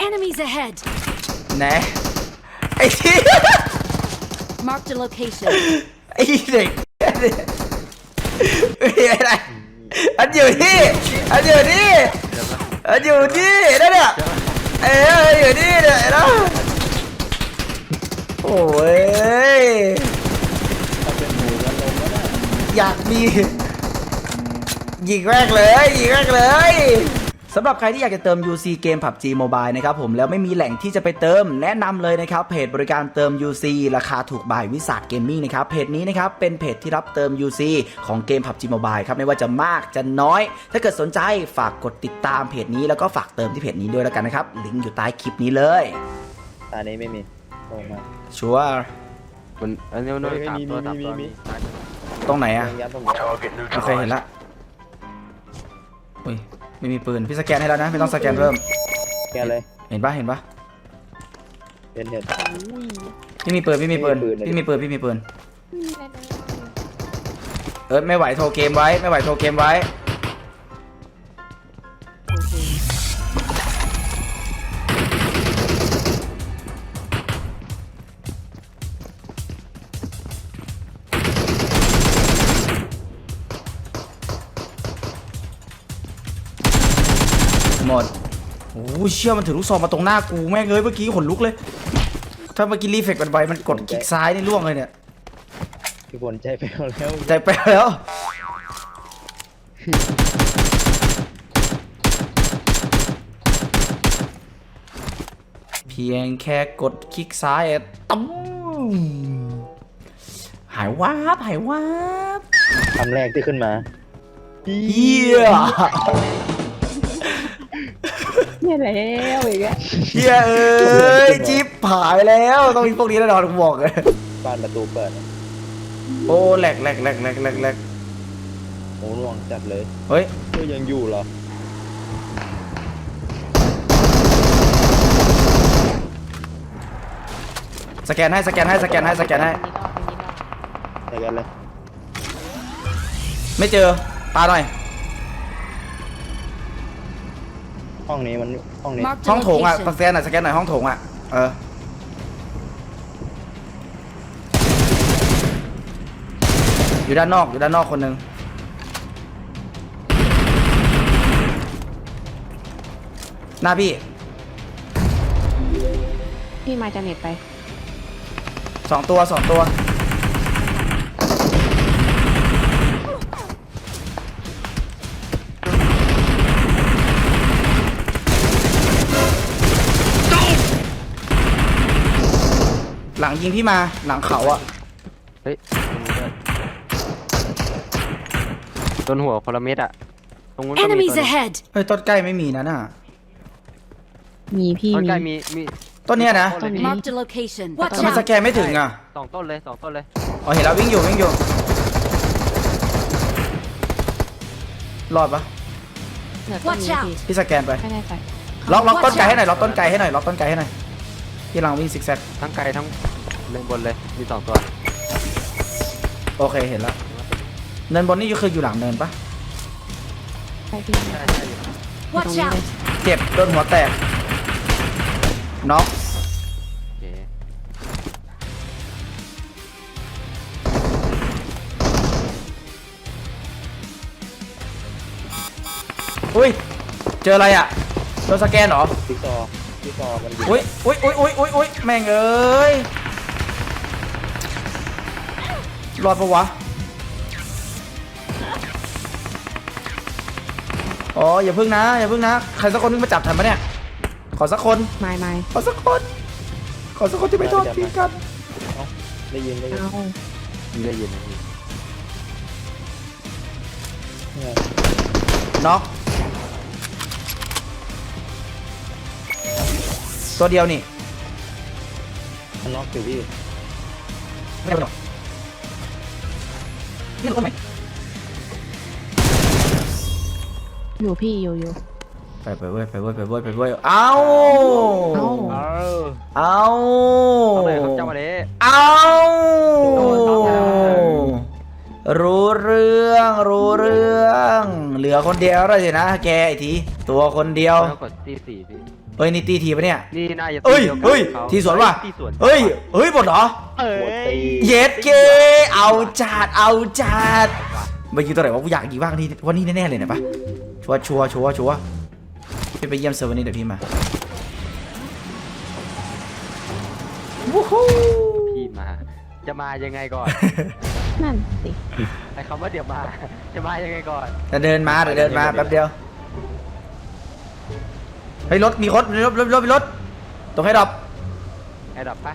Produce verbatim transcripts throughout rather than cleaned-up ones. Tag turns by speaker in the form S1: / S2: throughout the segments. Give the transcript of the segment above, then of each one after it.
S1: Enemies ahead.
S2: ไหนไอ้ที่
S1: Marked a location.
S2: ไอ้เด็กไอ้อะไรอันอยู่ที่อันอยู่ที่อันอยู่ที่นั่นน่ะเอ้ยอยู่ที่เนี่ยนะโอ้ยอยากมียิงแรกเลยยิงแรกเลยสำหรับใครที่อยากจะเติม ยู ซี เกม พับจี Mobile นะครับผมแล้วไม่มีแหล่งที่จะไปเติมแนะนำเลยนะครับเพจบริการเติม ยู ซี ราคาถูกบายวิสาทเกมมิ่งนะครับเพจนี้นะครับเป็นเพจที่รับเติม ยู ซี ของเกม พับจี Mobile ครับไม่ว่าจะมากจะน้อยถ้าเกิดสนใจฝากกดติดตามเพจนี้แล้วก็ฝากเติมที่เพจนี้ด้วยแล้วกันนะครับลิงก์อยู่ใต้คลิปนี้เลย
S3: ตานี้ไม่มีลงมา
S2: ชัวร์
S4: มันอันนี้มันสามตัวสามตัวมี
S2: ตรงไหนอะ
S3: ยัดตรง
S2: โอเคเห็นละอุ้ยไม่มีปืนพี่สแกนให้แล้วนะไม่ต้องสแกนเพิ่ม
S3: แกเลย
S2: เห็นปะเห็นปะ
S3: เห็นเห็น
S2: พี่มีปืนพี่มีปืน
S3: ไม่มีปืนเลย
S2: พี่มีปืนพี่มีปืนเออไม่ไหวโทรเกมไว้ไม่ไหวโทรเกมไว้หมดโอ้เชี่ยมันถือลูกซองมาตรงหน้ากูแม่งเลยเมื่อกี้ขนลุกเลยถ้าเมื่อกี้รีเฟกมันไปมันกดคลิกซ้ายนี่ล่วงเลยเนี่ย
S3: พี่ฝนใจไปแล้ว
S2: ใจไปแล้วเพียงแค่กดคลิกซ้ายตั้มหายวาบหายวาบ
S3: คำแรกที่ขึ้นมา
S2: เฮีย
S5: เนี่ยแล้วอีกแล้ว
S2: เฮียเอ้ยจิ๊บหายแล้วต้องมีพวกนี้แน่นอนผมบอกเลย
S3: บ้านประตูเปิด
S2: โอ้แหลกแหลกแหลกแหลกแหลกแหลก
S3: โอ้ลวงจัดเลย
S2: เฮ้ย
S3: ก็ยังอยู่เหรอ
S2: สแกนให้สแกนให้สแกนให้สแกนให้
S3: ใส่กันเลย
S2: ไม่เจอปาหน่อย
S3: ห้องนี้มันห้องนี้
S1: Marked
S2: ห้
S1: a
S2: องโถงอ่ะส
S1: location.
S2: แกนหน่อยสแกนหน่อยห้องโถงอ่ะเอออยู่ด้านนอกอยู่ด้านนอกคนหนึ่งหน้าพี่
S5: พี่มาจะเน็ตไป
S2: สองตัวสองตัวหลังยิงพี่มาหลังเขาอะ
S4: เฮ้ยโดนหัวคนละเม็ดอะตรงนู้นก็มีตัว
S1: Enemies
S4: นึง
S1: ahead.
S2: เฮ้ยต้นใกล้ไม่มีนะน่ะ
S5: มีพี่
S4: ต้น
S5: มี
S4: ใกล้มีมี
S2: ต้นเนี้ยนะ
S5: ต้นนี้
S1: Marked a location.
S2: ทำ
S1: Watch
S2: ไมส
S1: out.
S2: แกนไม่ถึงอ่ะ
S4: สองต้นเลยสองต้นเลย
S2: อ๋อเห็นแล้ววิ่งอยู่วิ่งอยู่รอดปะ
S5: เหนือต้น
S1: Watch
S5: นี้
S1: out
S5: พี่
S2: พี่สแกนไป
S5: ไม่แน่ใจ
S2: ล็อกล็อกต้นไกลให้หน่อยล็อกต้นไกลให้หน่อยล็อกต้นไกลให้หน่อยพี่ลังวิ่งซิกแซก
S4: ทั้งไกลทั้งเลนบนเลยมีสองตัว
S2: โอเคเห็นแล้วเนินบนนี่คืออยู่หลังเนินปะ
S5: ใช่พี่
S4: ใช่ใช่
S1: Watch
S5: ตรงนี้
S1: out.
S5: เลย
S2: เจ็บโดนหัวแตกน็อก
S4: โอเค
S2: อุ้ยเจออะไรอ่ะโดนสแกนเหรอ
S3: จิ๊กซอว์จิ๊กซอว์มันยิง
S2: อุ้ยอุ้ยอุ้ยอุ้ยอุ้ยอุ้ยแม่งเอ้ยรอดปะวะอ๋ออย่าพึ่งนะอย่าพึ่งนะใครสักคนนึงมาจับทันปะเนี่ยขอสักคน
S5: ไม่ไม่
S2: ขอสักคนขอสักคนที่ไม่ทอดทิ้งกัน
S3: ได้ยินได้ยิน
S5: เอา
S4: มีได้ยินนะพี่
S3: เนี่ย
S2: น็อกตัวเดียวนี่
S3: มันน็อกอยู่พี่
S2: ไม่เป็นหรอกนี่รู้ไหม
S5: อยู่พี่อยู่อยู่
S2: ไปไปเว้ยไปเว้ยไปเว้ยไปเว้ยเอา
S5: เอา
S4: เออ
S2: เอา
S4: เอาเลยครับเจ้ามาเด้
S2: เอารู้เรื่องรู้เรื่องเหลือคนเดียวแล้วสินะแกไอ้ทีตัวคนเดียว
S4: ต้องกดตีสี่พี่
S2: เอ้ยนี่ตีทีปะเนี่ย
S4: นี่น่าจะ
S2: เอ้ย
S4: ดีวกัน
S2: เฮ้ย
S4: ขา
S2: ทีสวนว่ะ
S4: ตีสวน
S2: เฮ้ยเฮ้ยหมดเหรอ
S4: เอ้
S3: หัวตี
S4: ย
S2: เย็ดเกเอาจัดเอาจัดไปยิงตัวไหนวะกูอยากยิงบ้างที่วันนี้แน่ๆเลยนะปะชัวร์ชัวร์ชัวร์ชัวร์พี่ไปเยี่ยมเซอร์วันนี้เดี๋ยวพี่มาวู้ฮู้
S4: พี่มา จะมายังไงก่อน
S5: นั่นสิ
S4: ไอ้คำว่าเดี๋ยวมา จะมายังไงก่อน
S2: จะเดินมาเดี๋ยวเดินมาแป๊บเดียวเฮ้ยรถมีรถมีรถรถรถมีรถตรงให้ดับ
S4: ไอ้ดับปะ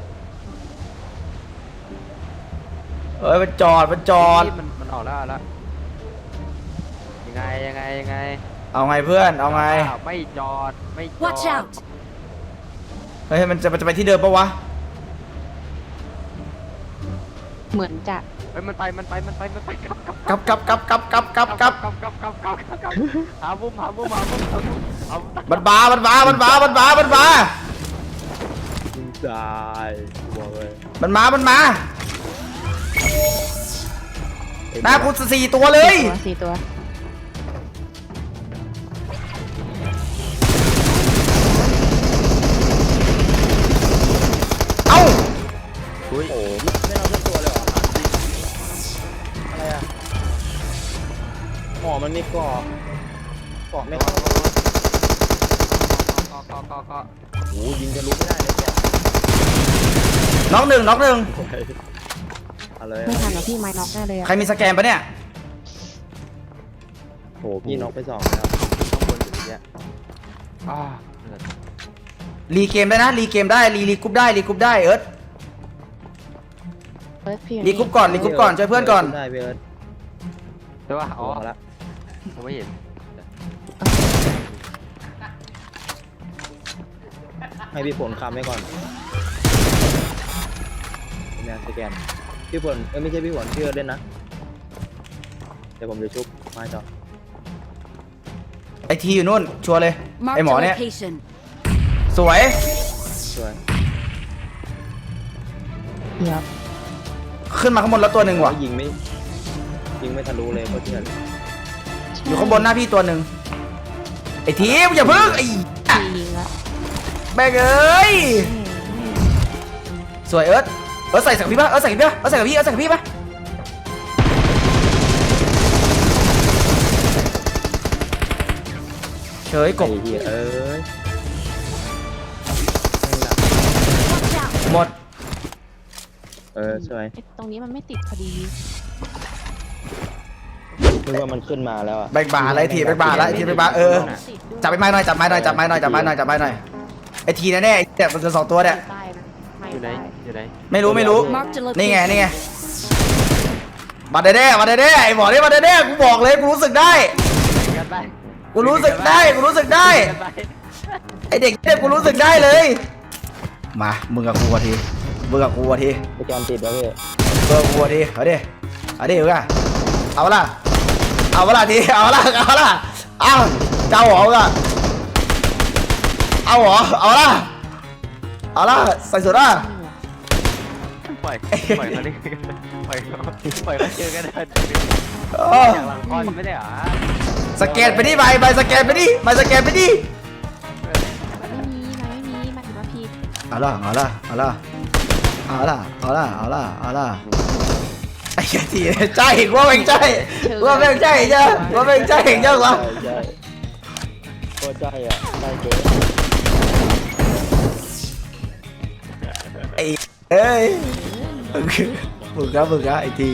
S2: เอ้ยมันจอดมันจอด
S4: นี่มันมันออกแล้วแล้วยังไงยังไงยังไง
S2: เอาไงเพื่อนเอาไง
S4: อ้าวไม่จอดไม่จอด
S1: Watch out!
S2: เฮ้ยมันจะมันจะไปที่เดิมปะวะ
S5: เหมือนจะ
S4: เฮ้ยมันไปมันไปมันไปมันไปกลับกลับ
S2: กับกับกับกับกับกับกับ
S4: กลับกลับกลับกลับกลับหาบุ้มหาบุ้มหาบุ้มหาบุ้มเอา
S2: มันบามันบามันบามันบามันบา
S3: ยิงตายบอกเลย
S2: มันมามันมาหน้ากูสี่ตัวเลย
S5: ตัวสี่ตัว
S2: เอ้า
S3: โอ้โหไม่เอาสักตัวเลยเหรออะไรอ่ะหมอมันมีเกาะเกาะไม่เข้า
S4: ก็ก็ก็ก็
S3: โอ้โหยิงจะลุกไม่ได้เลยเกาะ
S2: น็อกหนึ่งน็อกหนึ่ง
S3: เอาเลย
S5: ไม่ทันหรอกพี่ไม้น็อกแน่เลยอะ
S2: ใครมีสแกนปะเนี่ย
S3: โอ้โหพี่น็อกไปสองแล้ว
S4: ข้างบนอยู่อย่างเงี้ยอ่า
S2: รีเกมได้นะรีเกมได้รีรีกรุ๊ปได้รีกรุ๊ปได้เอิร์ธ
S5: เฟิร์สพี่
S2: รีกรุ๊ปก่อนรีกรุ๊ปก่อนช่วยเพื่อนก่อน
S3: ได้พี่เอิร์ธ
S4: ใช่ป่ะอ๋อ
S3: เอาละ
S4: ผมไม่เห็น
S3: ให้พี่ฝนคำไว้ก่อนเนี่ยสแกนพี่ฝนเออไม่ใช่พี่ฝนพี่เอิร์ธเล่นนะเดี๋ยวผมจะชุบมาจอ
S2: ไอทีอยู่นู่นชัวร์เลย
S1: Marked
S2: ไอ
S1: a
S2: หมอเนี่ย
S1: location.
S2: สวย
S3: สวย
S5: เดี๋ยว
S2: ขึ้นมาข้างบนแล้วตัวหนึ่งว่ะ
S3: ยิงไม่ยิงไม่ทะลุเลยโคตรเถื่อน
S2: อยู่ข้างบนหน้าพี่ตัวหนึ่งไอทีอย่าเพิ่งไอ
S5: พี่ยิงละ
S2: แบกเอ้ยสวยเอิร์ธเอิร์ธใส่สักพี่ปะเอิร์ธใส่กับพี่ปะเอิร์ธใส่กับพี่เอิร์ธใส่กับพี่ปะเฉยกบ
S3: ไอ้เหี้ยเอ้ย
S1: Watch out!
S2: หมด
S3: เออสวย
S5: ไอ้ตรงนี้มันไม่ติดพอดี
S3: นึกว่ามันขึ้นมาแล้วอ่ะ
S2: แบกบาอะไรทีแบกบาอะไรทีแบกบาเออ
S5: ติดด้วย
S2: จับไอ้ไม้หน่อยจับไม้หน่อยจับไม้หน่อยจับไม้หน่อยจับไม้หน่อยไอทีแน่ๆไอ้เนี่ยมันจะสองตัวเนี่ย
S5: ใต้นะไม่
S4: อยู่ไหน
S5: ใต้
S4: อยู่ไหน
S2: ไม่รู้ไม่รู้
S1: Marked a
S2: นี่ไง
S1: location.
S2: นี่ไงมาแน่ๆมาแน่ๆไอ้หมอนี่มาแน่ๆกูบอกเลยกูรู้สึกได้
S4: กันไป
S2: กูรู้สึกได้กูรู้สึกได้
S4: กันไป
S2: ไอเด็กเนี่ยกูรู้สึกได้เลย มามึงกับกูทีมึงกับกูที
S3: โปรแกรมติดแล้วพี่
S2: เบอร์กูทีเอาดิเอาดิเอาดิเอาละเอาละทีเอาละเอาละเอาเจ้าหรอละเอาหรอเอาละเอาละใส่สุดละ
S4: ปล่อยปล่อยเขาดิปล่อยเขาปล่อยเขาเจอกันได้
S2: เออ
S4: อย่างหลังคอนไม่ได้เหรอ
S2: สแกนไปดิใบใบสแกนไปดิใบสแกนไปดิ
S5: มันไม่มีมันไม่มีมันถือว่าผิด
S2: เอาละเอาละเอาละเอาละเอาละเอาละเอาละไอ้ทีใจว่าเป็นใจว่าเป็นใจจ้ะว่าเป็นใจเจ้าวะ
S3: ใช่ใช่โคตรใจอ่ะได้เกิน
S2: ไอ้เอ้ยมึงมึงครับมึงครับไอ้ที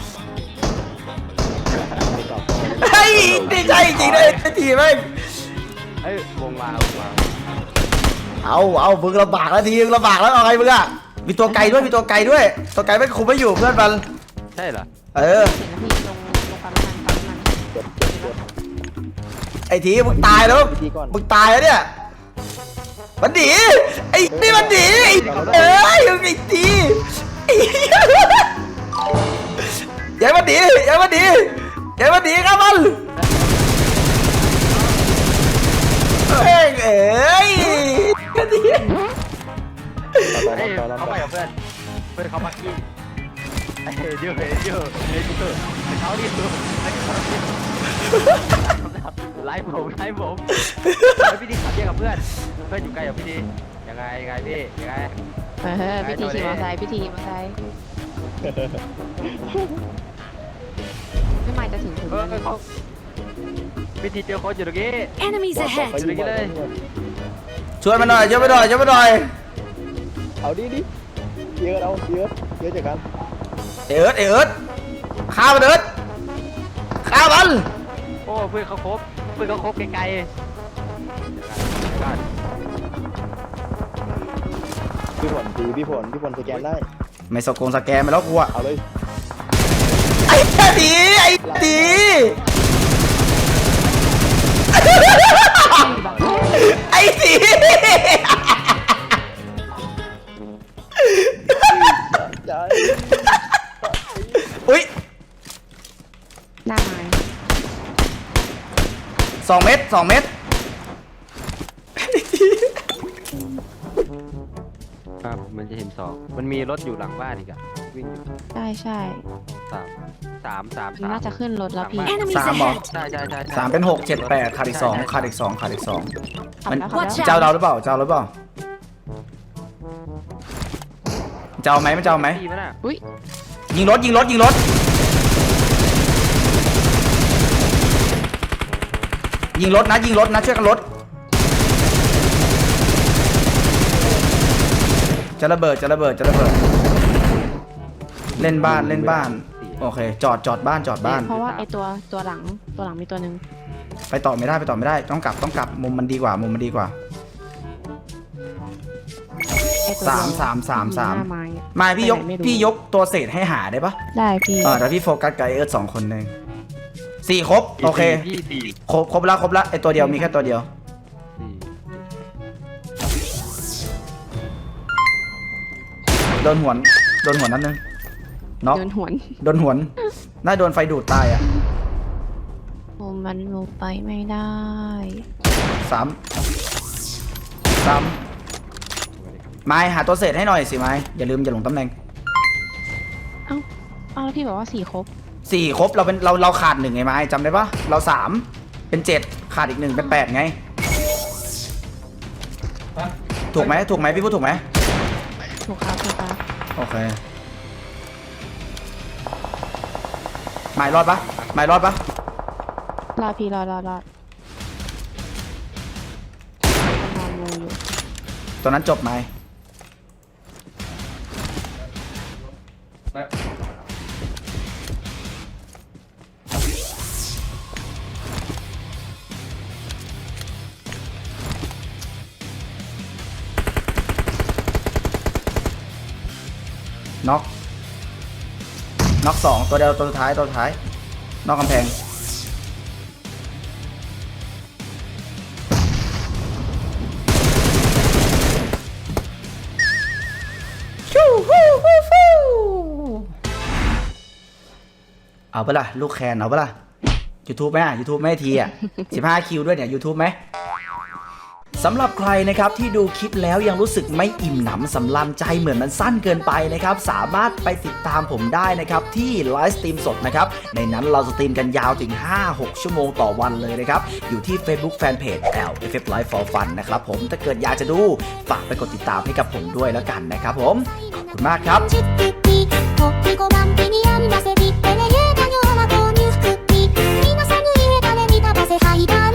S3: ไม่ตอบโต้เลย
S2: เฮ้ยดีใจจริงเลยไอ้ทีแม่ง
S4: เอ้ยวงมาวงมา
S2: เอาเอามึงลำบากแล้วทีมึงลำบากแล้วเอาไงมึงอะมีตัวไกลด้วยมีตัวไกลด้วยตัวไกลไม่คุมไม่อยู่เพื่อนมัน
S4: ใช่เหรอ
S2: เออ
S5: เห็นแล้วพี่ลงลงปั๊มน้ำมันปั๊มน้ำมัน
S3: เจ็บเจ็บเจ็บ
S2: ไอ้ทีมึงตายแล้ว
S3: วิธีก่อน
S2: มึงตายแล้วเนี่ยมันหนีไอ้นี่มันหนีไอ้เอ้ยมึงไอ้ทีไอ้อย่ามันหนีอย่ามันหนีอย่ามันหนีครับมันเอ้ยเอ้ยไอ้ที
S3: ต่อ
S4: เฮ้ย
S3: ต่อต่อ
S4: เขา
S3: ต่อ
S4: ไปกับเพื่อนเพื่อนเขาปักกิ้งเห็นอยู่เห็นอยู่เห็นอยู่เขาดิดูไล่ผมไล่ผมแล้วพี่ดีขับแยกกับเพื่อนเพื่อนอยู่ไกลกับพี่ดียังไงยังไงพี่ยังไง
S5: เออพิธีขี่มอเตอร์ไซค์พิธีขี่มอเตอร์ไซค์ไม่ไม่จะถึงถึง
S4: เออเขาพี่ดีเจอคนอยู่ตรงนี้
S1: Enemies
S3: บอก
S1: ahead!
S3: เขาอยู่บอกเขาอยู่
S2: ช่วยมาหน่อยช่วยมาหน่อยช่วยมาหน่อย
S3: เอาดิดิเยอะเอาเยอะเยอะจากกัน
S2: เอิร์ดเอิร์ดฆ่ามันเอิร์ดฆ่ามัน
S4: โอ้เพื่อนเขาครบเพื่อนเขาครบไกลๆ
S3: พี่ผลตีพี่ผลพี่ผลสแกนได้
S2: ไม่สกงสแกนไปแล้วกูอะ
S3: เอาเลย
S2: ไอ้ตีไอ้ตีไอ้ตี
S3: ใจ
S2: อุ้ย
S5: หน้าไม้
S2: สองเม็ดสองเม็ด
S4: ครับมันจะเห็นสองมันมีรถอยู่หลังบ้านอีกอะวิ่งอยู่
S5: ใช่ใช่
S4: สามสามสาม
S5: มัน
S4: สาม
S5: น่าจะขึ้นรถแล้วพี่
S1: Enemies
S2: สามเหรอ
S1: ahead!
S4: ใช่ใช่ใช่ใช่
S2: สามเป็นหกเจ็ดแปดขาดอีกสองขาดอีกสองขาดอีกสอง
S5: ขับ
S2: มัน
S5: แล้วขับ
S1: Watch
S5: แล้ว
S2: เจ้าเราหรือเปล่าเจ้าเราหรือเปล่าเจ้าไหมไม่เจ้าไหม
S4: ดีไหมน่ะ
S5: อุ้ย
S2: ยิงรถยิงรถยิงรถยิงรถนะยิงรถนะช่วยกันรถจะระเบิดจะระเบิดจะระเบิดเล่นบ้านเล่นบ้านโอเคจอดจอดบ้านจอดบ้าน
S5: เพราะว่าไอตัวตัวหลังตัวหลังมีตัวหนึ่ง
S2: ไปต่อไม่ได้ไปต่อไม่ได้ต้องกลับต้องกลับมุมมันดีกว่ามุมมันดีกว่า
S5: ไอตัว
S2: สาม
S5: เดียว
S2: สามสามสาม
S5: หน้าไม้อะ
S2: มาพี่ยก
S5: ไปไหนไม่รู้
S2: พี่ยกตัวเศษให้หาได้ปะ
S5: ได้พี่
S2: เออแต่พี่โฟกัสกับไอเอิร์ธสองคนหนึ่งสี่ครบโอเค
S4: พี่สี่
S2: ครบครบแล้วครบแล้วไอตัวเดียวมีแค่ตัวเดียว
S4: สี่
S2: โดนหวนโดนหวนนั่นนึงน็อก
S5: เดินหวน
S2: โดนหวนน่าโดนไฟดูดตายอ่ะ
S5: โอ้มันลงไปไม่ได้
S2: สามสามไม้หาตัวเศษให้หน่อยสิไม้อย่าลืมอย่าหลงตำแหน่ง
S5: เอ้าเอ้าแล้วพี่บอกว่าสี่ครบ
S2: สี่ครบเราเป็นเราเราขาดหนึ่งไงไม้จำได้ปะเราสามเป็นเจ็ดขาดอีกหนึ่งเป็นแปดไงถูกไหมถูกไหมพี่พูดถูกไหม
S5: ถูกครับถูกครับ
S2: โอเคไม้รอดปะไม้รอดปะ
S5: รอพี่รอรอรอรองูอยู่
S2: ตัวนั้นจบไหมน็อกน็อกสองตัวเดียวตัวสุดท้ายตัวสุดท้ายนอกกำแพงเอาปะล่ะลูกแคนเอาปะล่ะ YouTube ไหมอ่ะ YouTube ไม่ให้ทีอ่ะ สิบห้าคิวด้วยเนี่ย YouTube ไหมสำหรับใครนะครับที่ดูคลิปแล้วยังรู้สึกไม่อิ่มหนำสำราญใจเหมือนมันสั้นเกินไปนะครับสามารถไปติดตามผมได้นะครับที่ไลฟ์สตรีมสดนะครับในนั้นเราสตรีมกันยาวถึง ห้าหก ชั่วโมงต่อวันเลยนะครับอยู่ที่ Facebook Fanpage แอล เอฟ เอฟ Live for Fun นะครับผมถ้าเกิดอยากจะดูฝากไปกดติดตามให้กับผมด้วยแล้วกันนะครับผมขอบคุณมากครับ
S1: チッピッピポッピご番手にありませびってねゆうたような購入服ピ皆さんに家だね見たばせハイダー